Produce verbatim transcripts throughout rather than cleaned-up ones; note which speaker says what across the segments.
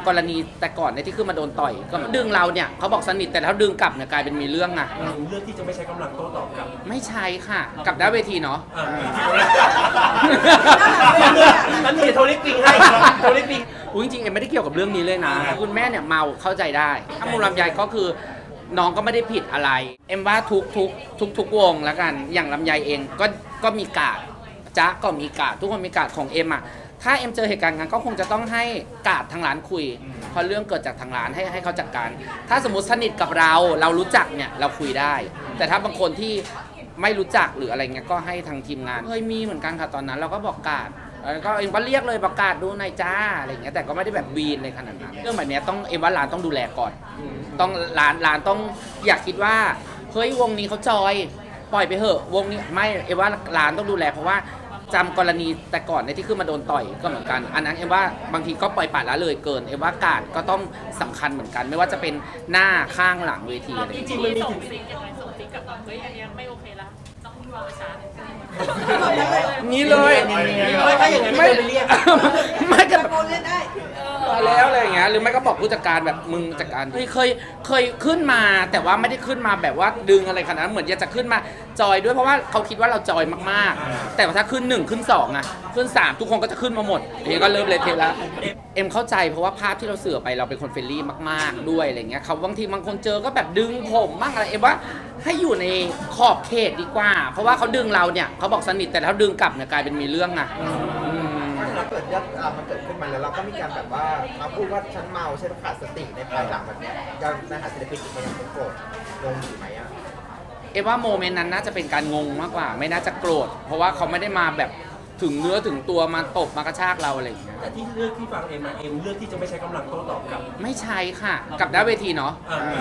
Speaker 1: กรณีแต่ก่อนเนี่ยที่ขึ้นมาโดนต่อยก็ดึงเราเนี่ยเขาบอกสนิทแต่แล้วดึงกลับเนี่ยกลายเป็นมีเรื่องอะ
Speaker 2: เลือกที่จะไม่ใช้กำลังโต้ตอบกลับ
Speaker 1: ไม่ใช่ค่ะกลับได้เวทีเนาะ
Speaker 2: นั่นนี่โทรลิปิงให้โทรลิปิง
Speaker 1: อุ้ยจริงๆเอ็มไม่ได้เกี่ยวกับเรื่องนี้เลยนะคุณแม่เนี่ยเมาเข้าใจได้ถ้ามูลลำไยก็คือน้องก็ไม่ได้ผิดอะไรเอ็มว่าทุกทุกทุกทุกวงแล้วกันอย่างลำไยเองก็ก็มีกาดจ๊ะก็มีกาดทุกคนมีกาดของเอ็มอ่ะถ้าเอ็มเจอเหตุการณ์งั้นก็คงจะต้องให้กาดทางร้านคุยเพราะเรื่องเกิดจากทางร้านให้ให้เขาจัดการถ้าสมมติสนิทกับเราเรารู้จักเนี่ยเราคุยได้แต่ถ้าบางคนที่ไม่รู้จักหรืออะไรเงี้ยก็ให้ทางทีมงานเคยมีเหมือนกันค่ะตอนนั้นเราก็บอกกาดแล้วก็เอ็มก็เรียกเลยประกาศดูนายจ้าอะไรอย่างเงี้ยแต่ก็ไม่ได้แบบวีนเลยขนาดนั้นเรื่องแบบนี้ต้องเอ็มว่าร้านต้องดูแลก่อนต้องร้านร้านต้องอยากคิดว่าเฮ้ยวงนี้เขาจอยปล่อยไปเถอะวงนี้ไม่เอ็มว่าร้านต้องดูแลเพราะว่าจำกรณีแต่ก่อนในที่ขึ้นมาโดนต่อยก็เหมือนกันอันนั้นเอ็มว่าบางทีก็ปล่อยปละละเลยเกินเอ็มว่ากาดก็ต้องสำคัญเหมือนกันไม่ว่าจะเป็นหน้าข้างหลังเวทีอะไรจริงๆมันมีถึง
Speaker 3: สิ่งยังไงส่งสิ่งกับแบบเฮ้ยอันนี้ไม่โอเคแล้วต้องรอประชา
Speaker 1: นี้เลย
Speaker 2: ไม่ถ้าอย่างนั้นไม่ไปเรียก
Speaker 1: ไม่ก็แบบมาแล้วอะไรอย่างเงี้ยหรือไม่ก็บอกผู้จัดการแบบมึงจัดการเคยเคยเคยขึ้นมาแต่ว่าไม่ได้ขึ้นมาแบบว่าดึงอะไรขนาดนั้นเหมือนอยากจะขึ้นมาจอยด้วยเพราะว่าเขาคิดว่าเราจอยมากๆแต่ถ้าขึ้นหนึ่งขึ้นสองอะขึ้นสามทุกคนก็จะขึ้นมาหมดเองก็เริ่มเลยเทแล้วเอ็มเข้าใจเพราะว่าภาพที่เราเสื่อไปเราเป็นคนเฟรนลี่มากๆด้วยอะไรเงี้ยเขาบางทีบางคนเจอก็แบบดึงผมบ้างอะไรเอ็มว่าให้อยู่ในขอบเขตดีกว่าเพราะว่าเขาดึงเราเนี่ยเขาบอกสนิทแต่แล้วดึงกลับเนี่ยกลายเป็นมีเรื่องอะ
Speaker 4: ถ้าเกิดยอดมันเกิดขึ้นมาแล้วเราก็มีการแบบว่ามาพูดว่าฉันเมาฉันขาดสติในภายหลังแบบนี้ยังในหาศิลปินอีกคนยังคงโกรธงงอยู่ไหมอ่ะ
Speaker 1: เอ็มว่าโมเมนต์นั้นน่าจะเป็นการงงมากกว่าไม่น่าจะโกรธเพราะว่าเขาไม่ได้มาแบบถึงเนื้อถึงตัวมาตบมากระชากเราอะไรอย่างเงี้ย
Speaker 2: แต่ที่เลือกที่ฟังเอ็มมาเอ็มเลือกที่จะไม่ใช้กำลังโต้ตอบกลับ
Speaker 1: ไม่ใช่ค่ะกลับได้เวทีเนาะ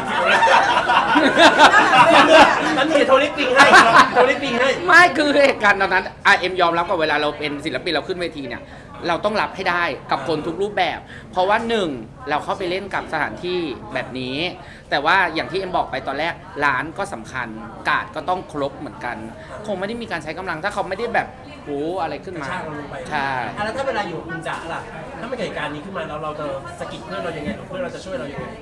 Speaker 2: นั่นนี่โทรลิปิงให้โทรลิปิงให้
Speaker 1: ไม่คือเหตุการณ์ตอนนั้นไอเอ็มยอมรับกับเวลาเราเป็นศิลปินเราขึ้นเวทีเนี่ยเราต้องรับให้ได้กับคนทุกรูปแบบ เพราะว่าหนึ่งเราเข้าไปเล่นกับสถานที่แบบนี้แต่ว่าอย่างที่เอ็มบอกไปตอนแรกร้านก็สำคัญกาดก็ต้องครบเหมือนกันคงไม่ได้มีการใช้กำลังถ้าเขาไม่ได้แบบโอ้อะไรขึ้นมาใช่
Speaker 2: แล้วถ้าเวลาอยู่คุณจ๋าล่ะถ้าไม่เกิดเหตุการณ์นี้ขึ้นมาแล้วเราจะสกิดเพื่อนเรายังไงเพื่อนเราจะช่วยเรายังไง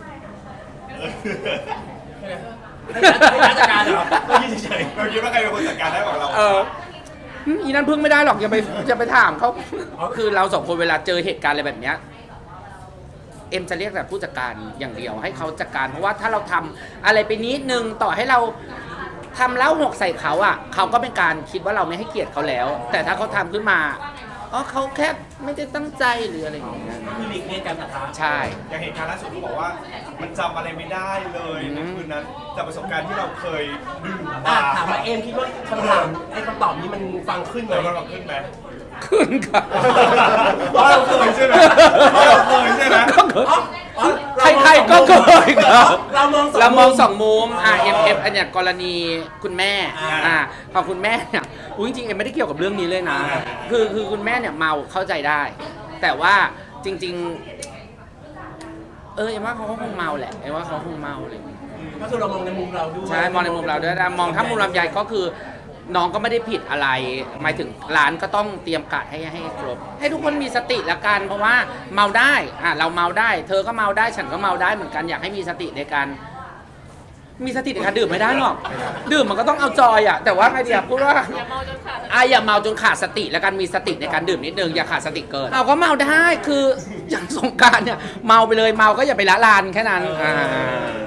Speaker 2: ให้จัดการเหรอไม่ยืนเฉยๆ
Speaker 5: เราคิดว่าใครเป็นคนจัดการได้กว่าเรา
Speaker 1: เอออีนั้นพึ่งไม่ได้หรอกอย่าไปอย่าไปถามเขาคือเราสองคนเวลาเจอเหตุการณ์อะไรแบบเนี้ยเอ็มจะเรียกแต่ผู้จัดการอย่างเดียวให้เขาจัดการเพราะว่าถ้าเราทำอะไรไปนิดนึงต่อให้เราทำแล้วหกใส่เขาอ่ะเขาก็เป็นการคิดว่าเราไม่ให้เกียรติเขาแล้วแต่ถ้าเขาทำขึ้นมาอ๋อเขาแค่ไม่ได้ตั้งใจหรืออะไรอย่างเงี้ย
Speaker 2: คือหลีกเลี่ยงการปะทะ
Speaker 1: ใช่
Speaker 5: อย่างเหตุการณ์ล่าสุดที่บอกว่ามันจำอะไรไม่ได้เลยในคืนนั้นจากประสบการณ์ที่เราเคยดื่มมา
Speaker 2: ถามว่าเอ็มคิดว่าคำถามไอ้คำตอบนี้มันฟังขึ้นไหม
Speaker 5: มันฟังขึ้นไหม
Speaker 1: ขึ้นค่ะ
Speaker 5: เราเคยใช่ไหมเราเคยใช่ไหม
Speaker 1: ใครๆก็เคยครับ
Speaker 2: เรามอง
Speaker 1: เรามองสองมุมอ่าเอ็มเอ็มอันเนี้ยกรณีคุณแม่อ่าพอคุณแม่เนี่ยจริงๆเอ็มไม่ได้เกี่ยวกับเรื่องนี้เลยนะคือคือคุณแม่เนี่ยเมาเข้าใจได้แต่ว่าจริงๆเออเอ็มว่าเขาก็คงเมาแหละเอ็มว่าเขาคงเมาเลย
Speaker 2: ก็คือเรามองในมุมเราด้วย
Speaker 1: ใช่มองในมุมเราด้วยมองถ้ามุมลำไยก็คือน้องก็ไม่ได้ผิดอะไรหมายถึงร้านก็ต้องเตรียมการให้ให้ครบให้ทุกคนมีสติละกันเพราะว่าเมาได้อ่ะเราเมาได้เธอก็เมาได้ฉันก็เมาได้เหมือนกันอยากให้มีสติในการมีสติในการดื่มไม่ได้หรอกดื่มมันก็ต้องเอาจอยอ่ะแต่ว่าไงดีอ่ะพูดว่า
Speaker 3: อย่าเมาจนขาด
Speaker 1: อ่ะอย่าเมาจนขาดสติแล้วกันมีสติในการดื่มนิดนึงอย่าขาดสติเกินเราก็เมาได้คืออย่างสงกรานต์เนี่ยเมาไปเลยเมาก็อย่าไปละลานแค่นั้นอ่า